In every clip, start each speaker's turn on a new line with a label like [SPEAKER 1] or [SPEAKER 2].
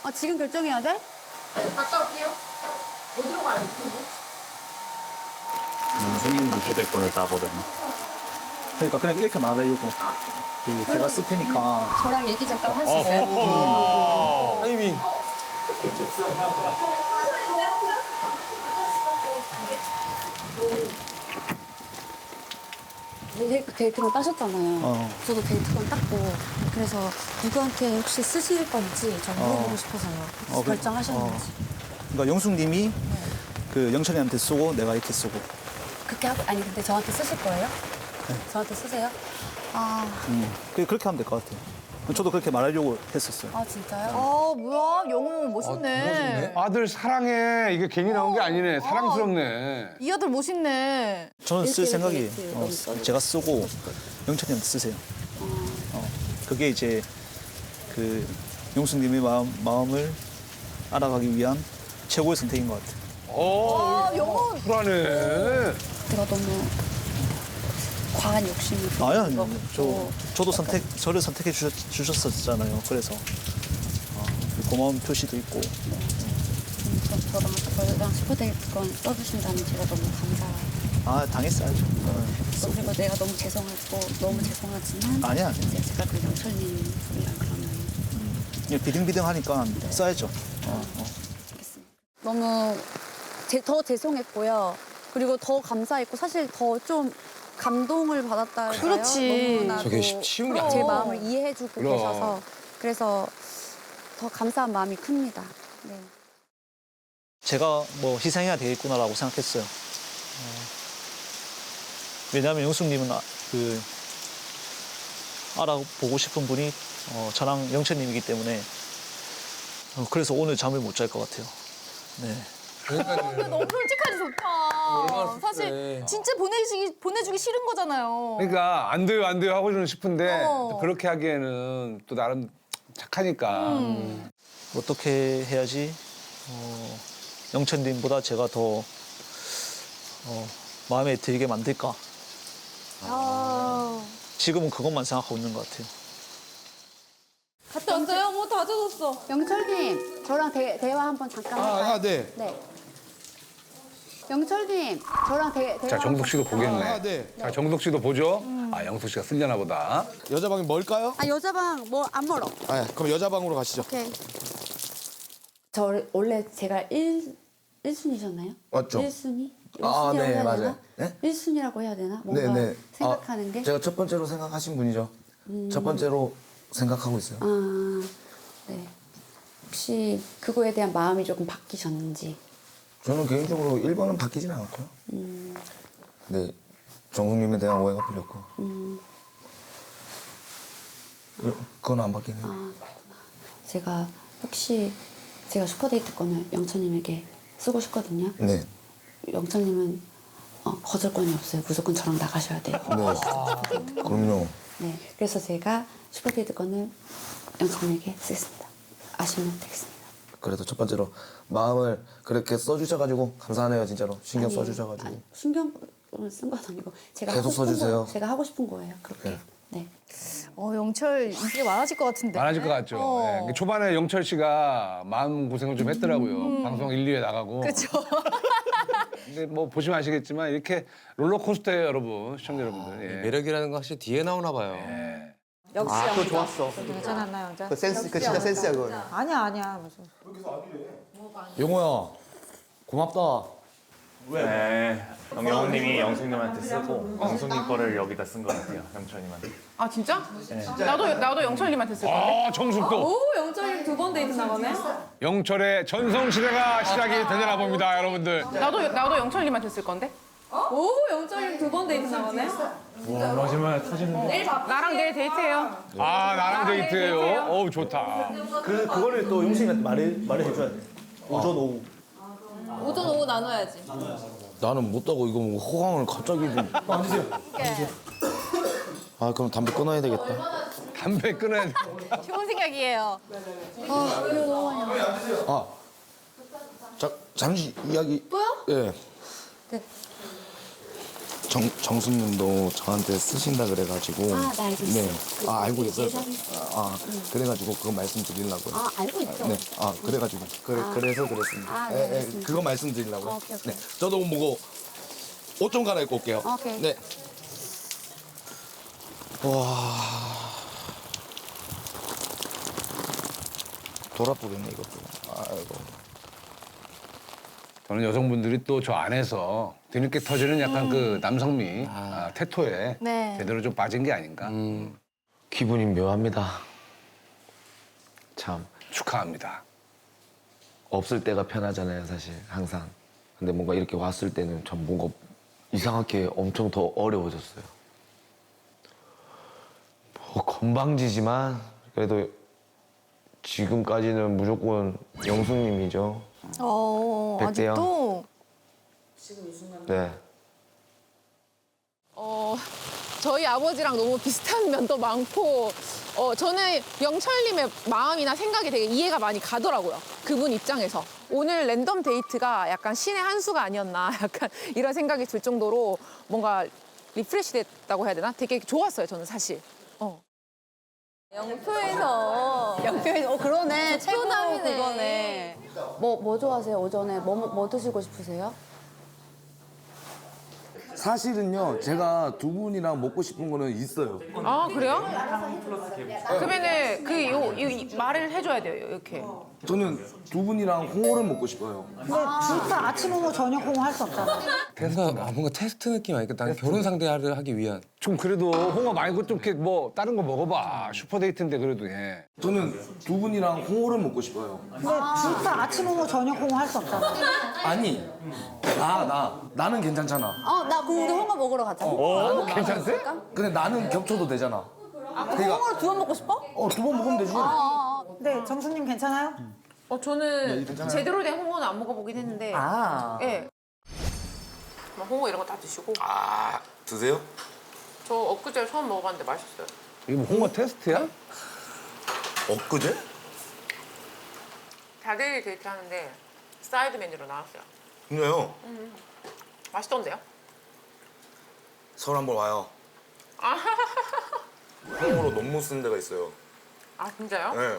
[SPEAKER 1] 아, 지금 결정해야 돼?
[SPEAKER 2] 갔다 올게요. 어디로 가요?
[SPEAKER 3] 선생님도 휴대폰을 따거든요.
[SPEAKER 4] 그러니까 그냥 이렇게 말하려고. 제가 쓸 테니까.
[SPEAKER 1] 저랑 얘기 잠깐 할 수 있어요?
[SPEAKER 5] 타이밍.
[SPEAKER 1] 데이트권 따셨잖아요.
[SPEAKER 4] 어.
[SPEAKER 1] 저도 데이트권 땄고 그래서 누구한테 혹시 쓰실 건지 저 물어보고 싶어서요.
[SPEAKER 4] 어,
[SPEAKER 1] 결정하셨는지.
[SPEAKER 4] 그러니까 영숙님이 그 영철이한테 쓰고 내가 이렇게 쓰고.
[SPEAKER 1] 그렇게 하고 아니 근데 저한테 쓰실 거예요? 저한테 쓰세요? 아,
[SPEAKER 4] 그렇게 하면 될 것 같아요. 저도 그렇게 말하려고 했었어요.
[SPEAKER 1] 아 진짜요?
[SPEAKER 2] 아, 뭐야. 영호 멋있네.
[SPEAKER 5] 아들 사랑해. 이게 괜히 나온 게 아니네. 사랑스럽네.
[SPEAKER 2] 이 아들 멋있네.
[SPEAKER 4] 저는 쓸
[SPEAKER 1] 이렇게
[SPEAKER 4] 생각이에요.
[SPEAKER 1] 이렇게
[SPEAKER 4] 어,
[SPEAKER 1] 너무 써주고
[SPEAKER 4] 제가 쓰고 영철이한테 쓰세요. 그게 이제 그 영숙님의 마음을 알아가기 위한 최고의 선택인 것 같아요.
[SPEAKER 5] 어,
[SPEAKER 2] 영호.
[SPEAKER 5] 쿨하네.
[SPEAKER 1] 제가 너무 과한 욕심이
[SPEAKER 4] 아니,
[SPEAKER 1] 것
[SPEAKER 4] 저도 저를 선택해 주셨었잖아요. 그래서 고마운 표시도 있고.
[SPEAKER 1] 저랑 슈퍼데이트권 써주신다면 제가 너무 감사해요.
[SPEAKER 4] 당했어야죠.
[SPEAKER 1] 그리고 내가 너무 죄송하지만
[SPEAKER 4] 아니야.
[SPEAKER 1] 이제 제가 그 영철님이랑 그러면
[SPEAKER 4] 그냥 비등비등하니까 써야죠.
[SPEAKER 1] 알겠습니다. 너무 더 죄송했고요. 그리고 더 감사했고 사실 더 좀 감동을 받았달까요?
[SPEAKER 2] 그렇지.
[SPEAKER 1] 너무나도
[SPEAKER 5] 저게 쉬운 게
[SPEAKER 1] 제
[SPEAKER 5] 아니야.
[SPEAKER 1] 마음을 이해해주고
[SPEAKER 5] 그럼.
[SPEAKER 1] 계셔서 그래서 더 감사한 마음이 큽니다. 네.
[SPEAKER 4] 제가 뭐 희생해야 되겠구나라고 생각했어요. 왜냐하면 영숙님은 알아보고 싶은 분이 저랑 영철님이기 때문에 그래서 오늘 잠을 못 잘 것 같아요. 네.
[SPEAKER 2] 너무 솔직하지 좋다. 사실 진짜 보내주기 싫은 거잖아요.
[SPEAKER 5] 그러니까 안 돼요, 안 돼요 하고는 싶은데
[SPEAKER 2] 어.
[SPEAKER 5] 또 그렇게 하기에는 또 나름 착하니까.
[SPEAKER 4] 어떻게 해야지 영철님보다 제가 더 마음에 들게 만들까? 지금은 그것만 생각하고 있는 것 같아요.
[SPEAKER 2] 갔다 왔어요? 뭐 다 젖었어.
[SPEAKER 1] 영철님, 저랑 대화 한번 잠깐 할까요?
[SPEAKER 5] 네.
[SPEAKER 1] 네. 영철님, 저랑 대화
[SPEAKER 5] 자, 정숙 씨도
[SPEAKER 1] 한번
[SPEAKER 5] 보겠네.
[SPEAKER 6] 네.
[SPEAKER 5] 자, 정숙 씨도 보죠. 아, 영숙 씨가 쓸려나 보다.
[SPEAKER 6] 여자 방이 뭘까요?
[SPEAKER 1] 아, 여자방 뭐 안 멀어.
[SPEAKER 6] 아, 그럼 여자 방으로 가시죠.
[SPEAKER 1] 오케이. 원래 제가 1순위셨나요?
[SPEAKER 6] 맞죠.
[SPEAKER 1] 1순위?
[SPEAKER 6] 아,
[SPEAKER 1] 1순위라고
[SPEAKER 6] 네,
[SPEAKER 1] 해야
[SPEAKER 6] 맞아요.
[SPEAKER 1] 되나?
[SPEAKER 6] 네?
[SPEAKER 1] 1순위라고 해야 되나? 뭔가 생각하는 게?
[SPEAKER 6] 제가 첫 번째로 생각하신 분이죠. 첫 번째로 생각하고 있어요.
[SPEAKER 1] 아, 네. 혹시 그거에 대한 마음이 조금 바뀌셨는지.
[SPEAKER 6] 저는 개인적으로 1번은 바뀌진 않았고요. 네, 정숙님에 대한 오해가 풀렸고. 그건 안 바뀌네요.
[SPEAKER 1] 제가 혹시 제가 슈퍼데이트권을 영철님에게 쓰고 싶거든요.
[SPEAKER 6] 네.
[SPEAKER 1] 영철님은 거절권이 없어요. 무조건 저랑 나가셔야 돼요.
[SPEAKER 6] 네. 그럼요.
[SPEAKER 1] 네. 그래서 제가 슈퍼데이트권을 영철님에게 쓰겠습니다. 아시면 되겠습니다.
[SPEAKER 6] 그래도 첫 번째로 마음을 그렇게 써주셔가지고 감사하네요, 진짜로. 신경
[SPEAKER 1] 아니,
[SPEAKER 6] 써주셔가지고.
[SPEAKER 1] 아니, 신경을 쓴 건 아니고 제가
[SPEAKER 6] 계속
[SPEAKER 1] 하고 싶은
[SPEAKER 6] 써주세요.
[SPEAKER 1] 제가 하고 싶은 거예요. 그렇게.
[SPEAKER 6] 네.
[SPEAKER 1] 네.
[SPEAKER 2] 영철 인기가 많아질 것 같은데.
[SPEAKER 5] 많아질 것 같죠.
[SPEAKER 2] 어.
[SPEAKER 5] 네. 초반에 영철 씨가 마음 고생을 좀 했더라고요. 방송 1, 2회 나가고.
[SPEAKER 2] 그렇죠.
[SPEAKER 5] 근데 뭐 보시면 아시겠지만 이렇게 롤러코스터예요, 여러분. 시청자 여러분들. 예.
[SPEAKER 7] 매력이라는 거 확실히 뒤에 나오나 봐요.
[SPEAKER 5] 예.
[SPEAKER 8] 역시
[SPEAKER 9] 그거 좋았어.
[SPEAKER 8] 괜찮았나 여자?
[SPEAKER 9] 그 센스, 그 진짜 센스야, 그거.
[SPEAKER 8] 아니야 무슨.
[SPEAKER 6] 용호야, 고맙다.
[SPEAKER 3] 네. 영호님이 영숙님한테 쓰고 영숙님 거를 여기다 쓴 것 같아요. 영철님한테.
[SPEAKER 2] 아 진짜? 나도 영철님한테 쓸 건데.
[SPEAKER 5] 아, 정숙도.
[SPEAKER 8] 오 영철이 두 번 데이트 나가네.
[SPEAKER 5] 영철의 전성시대가 시작이 되려나 봅니다, 여러분들.
[SPEAKER 2] 나도 영철님한테 쓸 건데.
[SPEAKER 8] 오 영철이 두 번 데이트 나가네.
[SPEAKER 3] 와, 마지막에 터지는데.
[SPEAKER 2] 나랑 내일 데이트해요.
[SPEAKER 5] 아, 나랑 데이트예요. 어우, 좋다.
[SPEAKER 4] 그거를 또 영숙이한테 말을 해줘야 돼. 오전 오후.
[SPEAKER 8] 오전 오후 나눠야지.
[SPEAKER 6] 나는 못하고 이거 뭐 호강을 갑자기 좀. 아, 그럼 담배 끊어야 되겠다.
[SPEAKER 5] 담배 끊어야 돼.
[SPEAKER 2] 좋은 생각이에요.
[SPEAKER 6] 아, 잠시 이야기.
[SPEAKER 1] 또요?
[SPEAKER 6] 예.
[SPEAKER 1] 네.
[SPEAKER 6] 정수님도 저한테 쓰신다 그래가지고.
[SPEAKER 1] 네, 알고 있어요.
[SPEAKER 6] 네. 알고 있어요. 그래가지고 그거 말씀드리려고요.
[SPEAKER 1] 알고 있죠.
[SPEAKER 6] 네. 그래가지고 그래서 그랬습니다.
[SPEAKER 1] 네, 알겠습니다.
[SPEAKER 6] 그거 말씀드리려고요.
[SPEAKER 1] 오케이.
[SPEAKER 6] 네. 저도 뭐고 옷 좀 갈아입고 올게요.
[SPEAKER 1] 오케이.
[SPEAKER 6] 네. 와. 돌아보겠네 이것도. 아이고.
[SPEAKER 5] 저는 여성분들이 또 저 안에서 뒤늦게 터지는 약간 그 남성미, 태토에
[SPEAKER 1] 네.
[SPEAKER 5] 제대로 좀 빠진 게 아닌가.
[SPEAKER 7] 기분이 묘합니다. 참
[SPEAKER 5] 축하합니다.
[SPEAKER 7] 없을 때가 편하잖아요, 사실 항상. 근데 뭔가 이렇게 왔을 때는 전 뭔가 이상하게 엄청 더 어려워졌어요. 뭐 건방지지만 그래도 지금까지는 무조건 영숙님이죠. 100대 0.
[SPEAKER 2] 아직도?
[SPEAKER 7] 네.
[SPEAKER 2] 저희 아버지랑 너무 비슷한 면도 많고, 저는 영철님의 마음이나 생각이 되게 이해가 많이 가더라고요. 그분 입장에서. 오늘 랜덤 데이트가 약간 신의 한 수가 아니었나, 약간 이런 생각이 들 정도로 뭔가 리프레시 됐다고 해야 되나? 되게 좋았어요, 저는 사실.
[SPEAKER 8] 영표에서.
[SPEAKER 1] 그러네.
[SPEAKER 8] 최고남이네.
[SPEAKER 1] 그거네. 뭐 좋아하세요? 오전에 뭐 드시고 싶으세요?
[SPEAKER 6] 사실은요, 제가 두 분이랑 먹고 싶은 거는 있어요.
[SPEAKER 2] 아, 그래요? 그러면은 이 말을 해줘야 돼요, 이렇게.
[SPEAKER 6] 저는 두 분이랑 홍어를 먹고 싶어요.
[SPEAKER 9] 진짜 아침 홍어 저녁 홍어 할 수 없잖아.
[SPEAKER 7] 그래서 뭔가 테스트 느낌 아닐까? 난 결혼 상대를 하기 위한.
[SPEAKER 5] 좀 그래도 홍어 말고 좀 이렇게 뭐 다른 거 먹어봐. 슈퍼데이트인데 그래도 예.
[SPEAKER 6] 저는 두 분이랑 홍어를 먹고 싶어요.
[SPEAKER 9] 근데 진짜 아침 홍어 저녁 홍어 할 수 없잖아.
[SPEAKER 6] 아니, 나는 괜찮잖아.
[SPEAKER 1] 나 그럼 우리 홍어 먹으러 가자.
[SPEAKER 5] 괜찮대?
[SPEAKER 6] 근데 나는 겹쳐도 되잖아. 그러니까
[SPEAKER 1] 홍어를 두 번 먹고 싶어?
[SPEAKER 6] 두 번 먹으면 되지.
[SPEAKER 9] 네, 정수님 괜찮아요?
[SPEAKER 2] 저는 제대로 된 홍어는 안 먹어보긴 했는데. 예. 뭐 홍어 이런 거 다 드시고.
[SPEAKER 6] 드세요?
[SPEAKER 2] 저 엊그제 처음 먹어봤는데 맛있어요.
[SPEAKER 5] 이거 뭐 홍어 테스트야?
[SPEAKER 6] 엊그제?
[SPEAKER 2] 다대일 데이트 하는데 사이드 메뉴로 나왔어요.
[SPEAKER 6] 그래요.
[SPEAKER 2] 맛있던데요?
[SPEAKER 6] 서울 한번 와요. 홍어로 논문 쓰는 데가 있어요.
[SPEAKER 2] 아, 진짜요?
[SPEAKER 6] 네.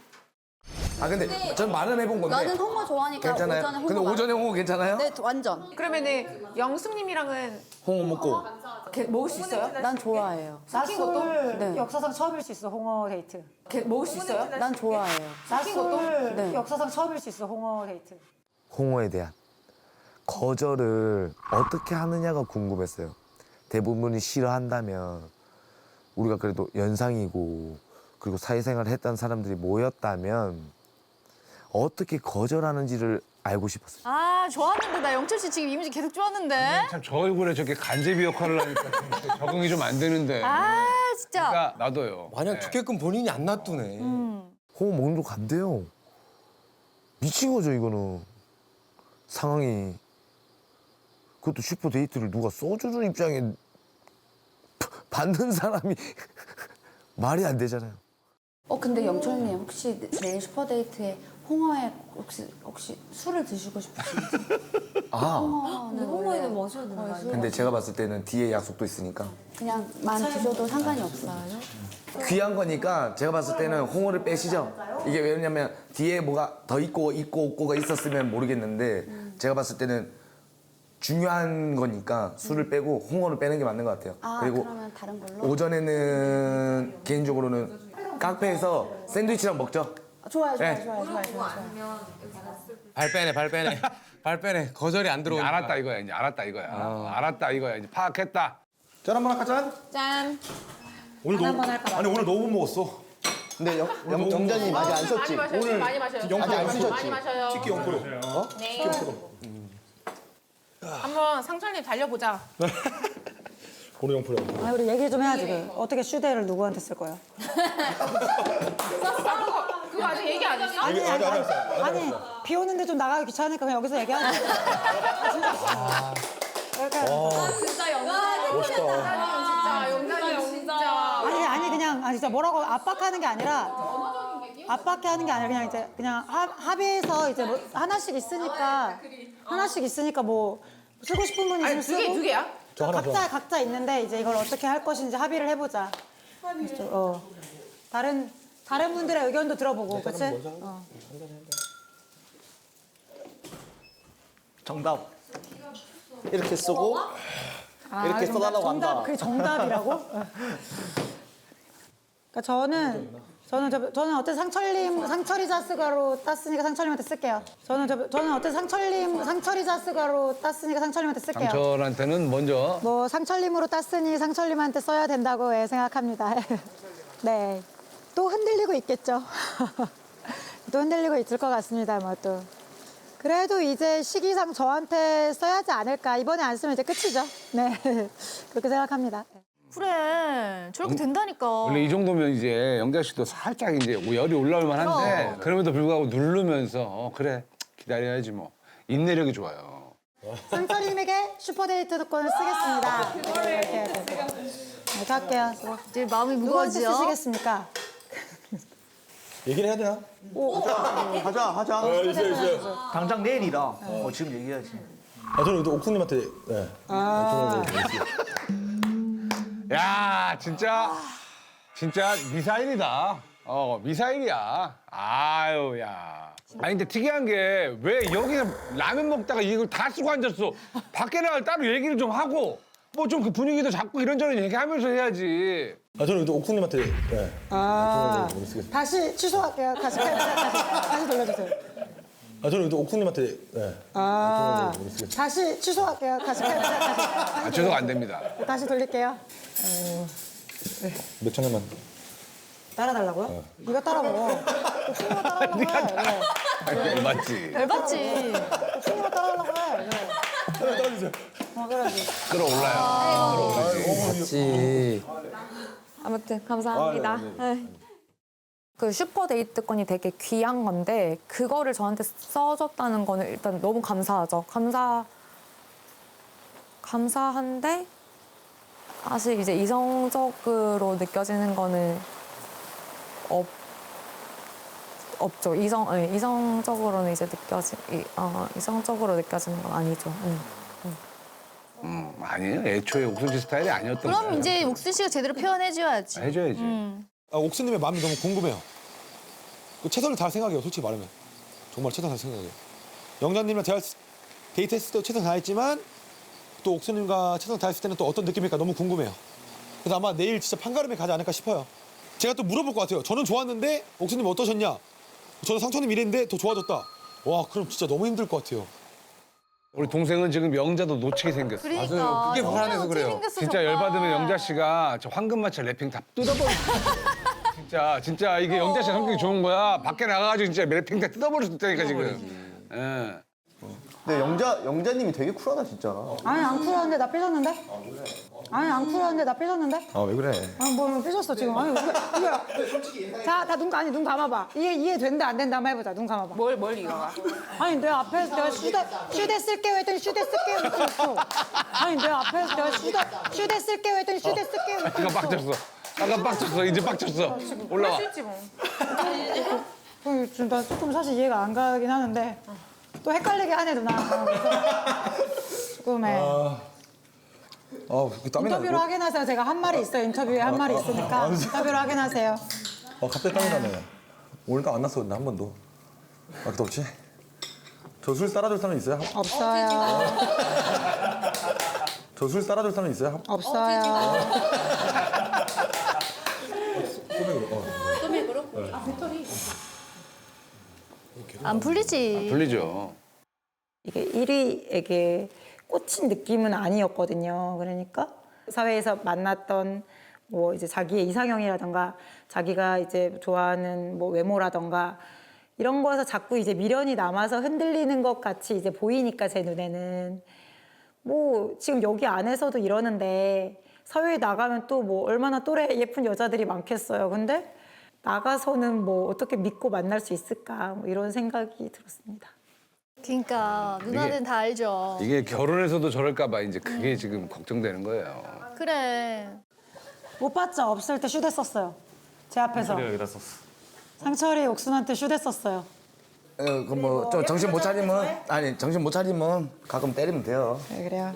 [SPEAKER 6] 근데 전 말은 해본 건데.
[SPEAKER 1] 나는 홍어 좋아하니까
[SPEAKER 6] 괜찮아요.
[SPEAKER 1] 오전에 홍어.
[SPEAKER 6] 근데 오전에 홍어 괜찮아요?
[SPEAKER 1] 네, 완전.
[SPEAKER 2] 그러면은 영숙님이랑은
[SPEAKER 6] 홍어 먹고.
[SPEAKER 2] 먹을 수 있어요?
[SPEAKER 1] 난 좋아해요.
[SPEAKER 9] 낮술
[SPEAKER 1] 네.
[SPEAKER 9] 역사상 처음일 수 있어, 홍어 데이트.
[SPEAKER 2] 먹을 수 있어요?
[SPEAKER 1] 난 좋아해요.
[SPEAKER 9] 낮술
[SPEAKER 1] 네.
[SPEAKER 9] 역사상 처음일 수 있어, 홍어 데이트.
[SPEAKER 7] 홍어에 대한 거절을 어떻게 하느냐가 궁금했어요. 대부분이 싫어한다면 우리가 그래도 연상이고 그리고 사회생활을 했던 사람들이 모였다면 어떻게 거절하는지를 알고 싶었어요.
[SPEAKER 8] 좋았는데 나 영철 씨 지금 이미지 계속 좋았는데.
[SPEAKER 5] 참 저 얼굴에 저렇게 간제비 역할을 하니까 좀 적응이 좀 안 되는데.
[SPEAKER 8] 진짜.
[SPEAKER 5] 그러니까 나도요.
[SPEAKER 7] 마냥
[SPEAKER 5] 네.
[SPEAKER 7] 두께끔 본인이 안 놔두네.
[SPEAKER 6] 홍어 먹는 거 간대요. 미친 거죠, 이거는. 상황이. 그것도 슈퍼 데이트를 누가 소주를 입장에 받는 사람이 말이 안 되잖아요.
[SPEAKER 1] 근데 영철님 혹시 내일 슈퍼데이트에 홍어에 혹시 술을 드시고 싶으신지?
[SPEAKER 8] 홍어에는 마셔야 되는 거 아니에요?
[SPEAKER 6] 근데 제가 봤을 때는 뒤에 약속도 있으니까.
[SPEAKER 1] 그냥 만 드셔도 상관이 없어요.
[SPEAKER 6] 귀한 거니까 제가 봤을 때는 홍어를 빼시죠. 이게 왜냐면 뒤에 뭐가 더 있고 없고가 있었으면 모르겠는데 제가 봤을 때는 중요한 거니까 술을 빼고 홍어를 빼는 게 맞는 것 같아요. 그리고
[SPEAKER 1] 그러면 다른 걸로?
[SPEAKER 6] 오전에는 개인적으로는 카페에서 샌드위치랑 먹죠.
[SPEAKER 1] 좋아요.
[SPEAKER 6] 네.
[SPEAKER 7] 발 빼네. 거절이 안
[SPEAKER 5] 이제
[SPEAKER 7] 들어오니까.
[SPEAKER 5] 알았다 이거야. 이제 알았다 이거야. 알았다 이거야. 이제 파악했다.
[SPEAKER 10] 짠 한번 할까 짠?
[SPEAKER 8] 짠.
[SPEAKER 10] 오늘 너무 아니 오늘 너무 못 먹었어.
[SPEAKER 6] 근데 정자님 아직 안 썼지?
[SPEAKER 2] 많이 마셔요.
[SPEAKER 10] 아직 안 쓰셨지?
[SPEAKER 2] 많이 마셔요.
[SPEAKER 10] 치킨 0%.
[SPEAKER 2] 네. 한번 상철님 달려보자.
[SPEAKER 10] 오늘 0%야.
[SPEAKER 9] 아, 우리 얘기 좀 해야지. 어떻게 슈대를 누구한테 쓸 거야?
[SPEAKER 2] 그거 아직 얘기 안 했어?
[SPEAKER 9] 아니, 비 오는데 좀 나가기 귀찮으니까 그냥 여기서 얘기하자. 진짜. 그러니까
[SPEAKER 8] 진짜 영광.
[SPEAKER 2] 진짜 용나님 진짜.
[SPEAKER 9] 아니 그냥 진짜 뭐라고 압박하는 게 아니라 그냥 이제 그냥 합의해서 이제 뭐 하나씩 있으니까 뭐 쓰고 싶은 분이
[SPEAKER 2] 아니,
[SPEAKER 9] 있으면 쓰고
[SPEAKER 2] 두 개야?
[SPEAKER 10] 저 하나 더.
[SPEAKER 9] 각자 있는데 이제 이걸 어떻게 할 것인지 합의를 해보자. 그래서, 다른 분들의 의견도 들어보고, 그렇지?
[SPEAKER 4] 정답. 이렇게 쓰고 이렇게 써달라고
[SPEAKER 9] 정답,
[SPEAKER 4] 한다.
[SPEAKER 9] 그게 정답이라고? 그러니까 저는 어때 상철이 자스가로 땄으니까 상철님한테 쓸게요. 저는 어때 상철이 자스가로 땄으니까 상철님한테 쓸게요.
[SPEAKER 5] 상철한테는 먼저
[SPEAKER 9] 뭐 상철님으로 땄으니 상철님한테 써야 된다고 생각합니다. 네, 또 흔들리고 있겠죠. 또 흔들리고 있을 것 같습니다. 뭐 또. 그래도 이제 시기상 저한테 써야지 않을까. 이번에 안 쓰면 이제 끝이죠. 네, 그렇게 생각합니다.
[SPEAKER 8] 그래 저렇게 된다니까.
[SPEAKER 5] 원래 이 정도면 이제 영자 씨도 살짝 이제 열이 올라올 만한데 그럼에도 불구하고 누르면서 그래 기다려야지 뭐 인내력이 좋아요.
[SPEAKER 9] 상철님에게 슈퍼데이트 특권을 쓰겠습니다. 이렇게 할게요.
[SPEAKER 8] 이제 마음이
[SPEAKER 9] 누구한테
[SPEAKER 8] 무거워지죠.
[SPEAKER 9] 쓰시겠습니까?
[SPEAKER 10] 얘기를 해야 되나?
[SPEAKER 4] 하자.
[SPEAKER 10] 있어요.
[SPEAKER 4] 당장 내일이라. 지금 얘기해야지.
[SPEAKER 10] 저는 또 옥수님한테. 네.
[SPEAKER 5] 야 진짜 미사일이다. 미사일이야. 아유 야. 아니 근데 특이한 게 왜 여기서 라면 먹다가 이걸 다 쓰고 앉았어. 밖에 나갈 따로 얘기를 좀 하고 뭐 좀 그 분위기도 잡고 이런저런 얘기하면서 해야지.
[SPEAKER 10] 저는 또 옥수님한테. 네.
[SPEAKER 9] 다시 취소할게요. 다시 돌려주세요.
[SPEAKER 10] 저는 또 옥수님한테. 네.
[SPEAKER 9] 다시 취소할게요. 다시
[SPEAKER 5] 죄송 안 됩니다.
[SPEAKER 9] 다시 돌릴게요.
[SPEAKER 10] 몇 천원만.
[SPEAKER 9] 따라달라고요? 네가 따라 먹어. 옥수님가 따라하려고 해. 그래.
[SPEAKER 5] 맞지.
[SPEAKER 8] 열받지.
[SPEAKER 9] 옥수님가 따라하려고 해. 그래.
[SPEAKER 10] 따라주세요.
[SPEAKER 9] 그래야지.
[SPEAKER 5] 끌어올라요.
[SPEAKER 6] 같이.
[SPEAKER 11] 아무튼 감사합니다. 그 슈퍼데이트권이 되게 귀한 건데 그거를 저한테 써줬다는 거는 일단 너무 감사하죠. 감사한데 사실 이제 이성적으로 느껴지는 거는 없죠. 이성적으로는 이제 이성적으로 느껴지는 건 아니죠.
[SPEAKER 5] 아니에요. 애초에 옥순 씨 스타일이 아니었던
[SPEAKER 8] 그럼
[SPEAKER 5] 거예요.
[SPEAKER 8] 이제 옥순 씨가 제대로 표현해줘야지.
[SPEAKER 5] 해줘야지.
[SPEAKER 10] 옥수님의 마음이 너무 궁금해요. 최선을 다할 생각이에요, 솔직히 말하면. 정말 최선을 다할 생각이에요. 영자님이랑 제가 데이트했을 때도 최선을 다했지만 또 옥수님과 최선을 다했을 때는 또 어떤 느낌일까 너무 궁금해요. 그래서 아마 내일 진짜 판가름에 가지 않을까 싶어요. 제가 또 물어볼 것 같아요. 저는 좋았는데 옥수님 어떠셨냐? 저는 상처님 이랬는데 더 좋아졌다. 와, 그럼 진짜 너무 힘들 것 같아요.
[SPEAKER 5] 우리 동생은 지금 영자도 놓치게 생겼어.
[SPEAKER 8] 그러니까.
[SPEAKER 5] 맞아요. 그게
[SPEAKER 8] 진짜
[SPEAKER 5] 불안해서 그래요.
[SPEAKER 8] 생겼어,
[SPEAKER 5] 진짜
[SPEAKER 8] 정말.
[SPEAKER 5] 열받으면 영자 씨가 저 황금마차 랩핑 다 뜯어버려. 진짜 이게 영자 씨 성격이 좋은 거야. 밖에 나가가지고 진짜 랩핑 다 뜯어버릴 수 있다니까 지금. 예.
[SPEAKER 12] 근데 영자님이 되게 쿨하다 진짜.
[SPEAKER 9] 아니 안 쿨한데 나 삐졌는데? 아니 안 쿨한데 나 삐졌는데?
[SPEAKER 10] 왜 그래?
[SPEAKER 9] 아니 뭐 삐졌어 지금. 아니 이게 자 눈 감아봐. 이게 이해된다 안 된다 한번 해보자. 눈 감아봐.
[SPEAKER 2] 뭘 이거가?
[SPEAKER 9] 아니 내 앞에서 내가 슈대 쓸게요 했더니 슈대 쓸게요 했어. 아니 내 앞에서 내가 슈대 쓸게요 했더니 슈대 쓸게요 했어.
[SPEAKER 5] 아까 빡쳤어. 아까 빡쳤어. 이제 빡쳤어. 올라와.
[SPEAKER 9] 나 조금 사실 이해가 안 가긴 하는데 또 헷갈리게 하네 누나. 조금 해.
[SPEAKER 10] 땀이
[SPEAKER 9] 인터뷰로 확인하세요. 제가 한 말이 있어요. 인터뷰에 한 말이 있으니까 인터뷰로 확인하세요.
[SPEAKER 10] 갑자기 땀이 나네. 오늘 땀 안 났었는데 한 번도. 또 없지? 저 술 따라줄 사람 있어요?
[SPEAKER 9] 없어요.
[SPEAKER 10] 저 술 따라줄 사람 있어요?
[SPEAKER 9] 없어요.
[SPEAKER 8] 안 풀리지.
[SPEAKER 5] 돌리죠.
[SPEAKER 9] 이게 1위에게 꽂힌 느낌은 아니었거든요. 그러니까 사회에서 만났던 뭐 이제 자기의 이상형이라던가 자기가 이제 좋아하는 뭐 외모라던가 이런 거에서 자꾸 이제 미련이 남아서 흔들리는 것 같이 이제 보이니까 제 눈에는 뭐 지금 여기 안에서도 이러는데 사회에 나가면 또 뭐 얼마나 또래 예쁜 여자들이 많겠어요. 근데 나가서는 뭐 어떻게 믿고 만날 수 있을까 뭐 이런 생각이 들었습니다.
[SPEAKER 8] 그러니까 누나는 다 알죠.
[SPEAKER 5] 이게 결혼해서도 저럴까 봐 이제 그게 지금 걱정되는 거예요.
[SPEAKER 8] 그래.
[SPEAKER 9] 못 봤죠? 없을 때 슈대 썼어요. 제 앞에서.
[SPEAKER 3] 여기다 썼어.
[SPEAKER 9] 상철이 옥순한테 슈대 썼어요.
[SPEAKER 6] 뭐 좀 정신 못 차리면 아니 정신 못 차리면 가끔 때리면 돼요.
[SPEAKER 9] 네, 그래요.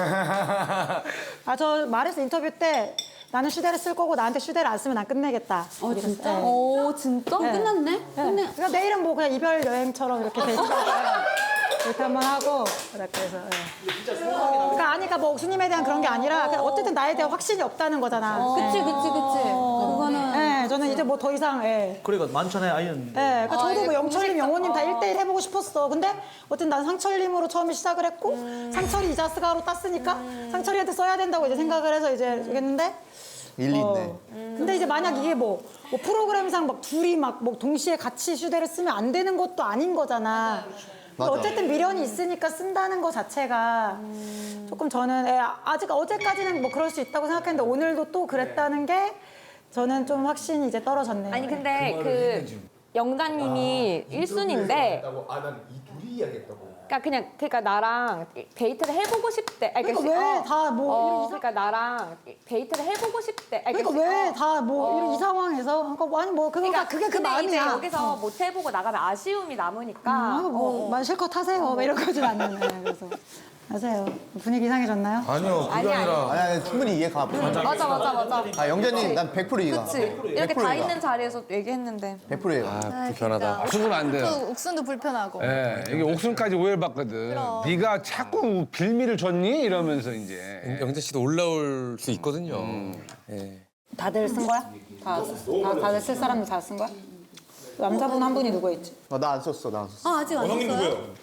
[SPEAKER 9] 아, 저 말했어 인터뷰 때 나는 슈대를 쓸 거고 나한테 슈대를 안 쓰면 난 끝내겠다.
[SPEAKER 1] 진짜?
[SPEAKER 9] 네.
[SPEAKER 1] 오, 진짜?
[SPEAKER 9] 네.
[SPEAKER 1] 끝났네?
[SPEAKER 9] 네. 그러니까 내일은 뭐 그냥 이별 여행처럼 이렇게 데이트 이렇게 한번 하고 그래서 그러니까 아니까 뭐 옥수님에 대한 그런 게 아니라 그냥 어쨌든 나에 대한 확신이 없다는 거잖아.
[SPEAKER 1] 그치. 그거는.
[SPEAKER 9] 네, 저는 이제 뭐 더 이상
[SPEAKER 4] 그러니까 만천하에 아이였는데.
[SPEAKER 9] 네, 그러니까 저도 뭐 영철님, 영호님 다 1대1 해보고 싶었어. 근데 어쨌든 난 상철님으로 처음에 시작을 했고 상철이 이자스가로 땄으니까 상철이한테 써야 된다고 이제 생각을 해서 이제 했는데
[SPEAKER 12] 일리 있네.
[SPEAKER 9] 근데 이제 만약 이게 뭐 프로그램상 막 둘이 막 뭐 동시에 같이 슈대를 쓰면 안 되는 것도 아닌 거잖아.
[SPEAKER 12] 맞아.
[SPEAKER 9] 어쨌든 미련이 있으니까 쓴다는 거 자체가 조금 저는 아직 어제까지는 뭐 그럴 수 있다고 생각했는데 오늘도 또 그랬다는 게 저는 좀 확신이 이제 떨어졌네요.
[SPEAKER 11] 아니 근데 그 영자님이 1순위인데
[SPEAKER 12] 아, 난 이 둘이 이야기했다고.
[SPEAKER 11] 그러니까 나랑 데이트를 해보고 싶대. 아니,
[SPEAKER 9] 그러니까 왜 다 뭐
[SPEAKER 11] 그러니까 나랑 데이트를 해보고 싶대. 아니,
[SPEAKER 9] 그러니까 왜 다 뭐 이 상황에서 그러니까 아니 뭐 그게 그
[SPEAKER 11] 근데
[SPEAKER 9] 마음이야.
[SPEAKER 11] 이제 여기서 못 해보고 나가면 아쉬움이 남으니까.
[SPEAKER 9] 뭐 실컷 하세요. 뭐 이런 거지 않는. 그래서 하세요. 분위기 이상해졌나요?
[SPEAKER 6] 아니요 그게 아니라
[SPEAKER 12] 아니, 충분히 이해가.
[SPEAKER 11] 맞아.
[SPEAKER 12] 아, 영자님, 난 100% 이해가.
[SPEAKER 11] 그치. 이렇게 다 있는 자리에서 얘기했는데.
[SPEAKER 12] 100% 이해가.
[SPEAKER 7] 아, 불편하다.
[SPEAKER 5] 옥순은 안 돼요.
[SPEAKER 8] 옥순도 불편하고.
[SPEAKER 5] 예, 이게 옥순까지 오해를 받거든. 네가 자꾸 빌미를 줬니? 이러면서 이제.
[SPEAKER 13] 영자 씨도 올라올 수 있거든요.
[SPEAKER 9] 다들 쓴 거야? 다들 쓸 사람들 다 쓴 거야? 남자분 한 분이 누구 있지?
[SPEAKER 12] 나 안 썼어, 나 안 썼어.
[SPEAKER 1] 아, 아직 안
[SPEAKER 10] 형님
[SPEAKER 1] 했어요?
[SPEAKER 10] 누구예요?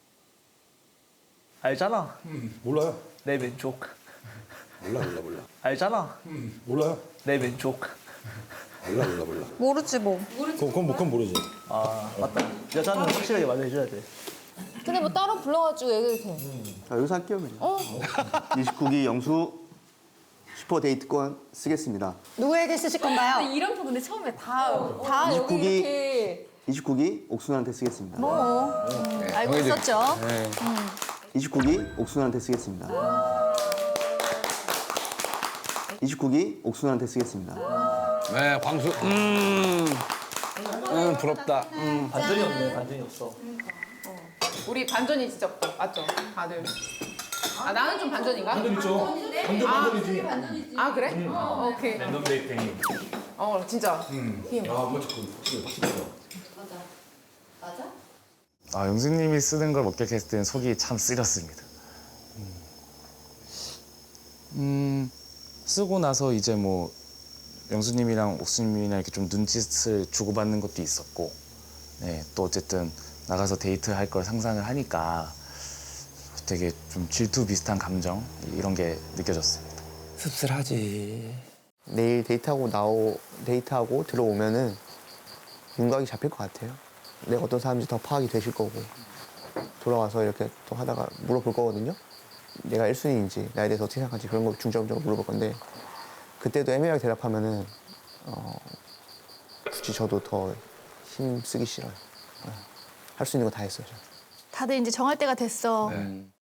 [SPEAKER 4] 알잖아.
[SPEAKER 10] 몰라요.
[SPEAKER 4] 내 왼쪽.
[SPEAKER 10] 몰라.
[SPEAKER 4] 알잖아.
[SPEAKER 10] 몰라요.
[SPEAKER 4] 내 왼쪽.
[SPEAKER 10] 몰라.
[SPEAKER 11] 모르지 뭐.
[SPEAKER 10] 그건 모르지.
[SPEAKER 4] 아, 맞다. 여자는 확실하게 말해줘야 돼.
[SPEAKER 11] 근데 뭐 따로 불러가지고 얘기해도 돼.
[SPEAKER 12] 자, 여기서 할게요, 그냥. 29기 영수 슈퍼 데이트권 쓰겠습니다.
[SPEAKER 9] 누구에게 쓰실 건가요?
[SPEAKER 11] 이런 거 근데 처음에 다 여기
[SPEAKER 12] 29기
[SPEAKER 11] 이렇게.
[SPEAKER 12] 29기 옥순한테 쓰겠습니다.
[SPEAKER 8] 알고 있었죠.
[SPEAKER 12] 29기 옥순한테 쓰겠습니다. 29기 옥순한테 쓰겠습니다.
[SPEAKER 5] 네, 광수. 부럽다.
[SPEAKER 4] 반전이 없네, 반전이 없어.
[SPEAKER 2] 우리 반전이 진짜 없다. 맞죠? 다들. 아, 나는 좀 반전인가?
[SPEAKER 10] 반전 있죠. 반전이지.
[SPEAKER 2] 아, 그래? 오케이.
[SPEAKER 3] 랜덤 데이트 힘.
[SPEAKER 2] 진짜. 힘.
[SPEAKER 10] 뭐 자꾸 확실히.
[SPEAKER 3] 아, 영수님이 쓰는 걸 목격했을 때는 속이 참 쓰렸습니다. 쓰고 나서 이제 뭐 영수님이랑 옥수님이랑 이렇게 좀 눈짓을 주고받는 것도 있었고, 네, 또 어쨌든 나가서 데이트할 걸 상상을 하니까 되게 좀 질투 비슷한 감정 이런 게 느껴졌습니다.
[SPEAKER 7] 씁쓸하지.
[SPEAKER 12] 내일 데이트하고 들어오면은 윤곽이 잡힐 것 같아요. 내가 어떤 사람인지 더 파악이 되실 거고 돌아와서 이렇게 또 하다가 물어볼 거거든요. 내가 1순위인지 나에 대해서 어떻게 생각하는지 그런 거 중점적으로 물어볼 건데 그때도 애매하게 대답하면은 굳이 저도 더 힘쓰기 싫어요. 할 수 있는 거 다 했어요. 저는.
[SPEAKER 8] 다들 이제 정할 때가 됐어.
[SPEAKER 5] 네.